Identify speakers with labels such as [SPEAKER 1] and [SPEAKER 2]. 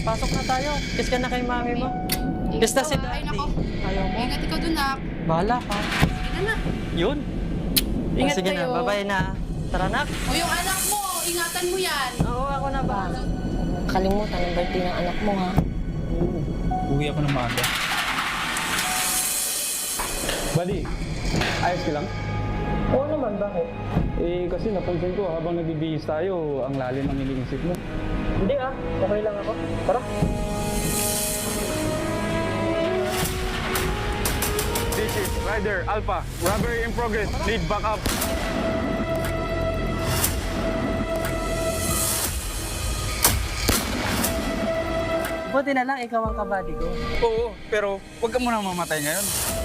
[SPEAKER 1] pasok na tayo. Kiss ka na kay mami mo. Kiss na si
[SPEAKER 2] Ay,
[SPEAKER 1] daddy.
[SPEAKER 2] nako.
[SPEAKER 1] Ayaw mo?
[SPEAKER 2] Ingat ikaw dun, nak.
[SPEAKER 1] Bahala ka.
[SPEAKER 2] Sige na.
[SPEAKER 1] Yun.
[SPEAKER 2] Ingat
[SPEAKER 1] Sige
[SPEAKER 2] kayo.
[SPEAKER 1] na, bye-bye na. Tara nak.
[SPEAKER 2] O yung anak mo, ingatan mo yan.
[SPEAKER 1] Oo, ako na bahala.
[SPEAKER 3] Kalimutan ang birthday ng anak mo, ha?
[SPEAKER 4] Uwi ako ng maaga. Buddy, ayos ka lang?
[SPEAKER 1] Oo naman, bakit?
[SPEAKER 4] Eh, kasi napansin ko habang nagbibihis tayo, ang lalim ng iniisip mo.
[SPEAKER 1] Hindi ah, okay lang ako. Tara.
[SPEAKER 4] This is Rider Alpha. Robbery in progress. Need backup.
[SPEAKER 1] Buti na lang ikaw ang kabady ko.
[SPEAKER 4] Oo, pero huwag ka muna mamatay ngayon.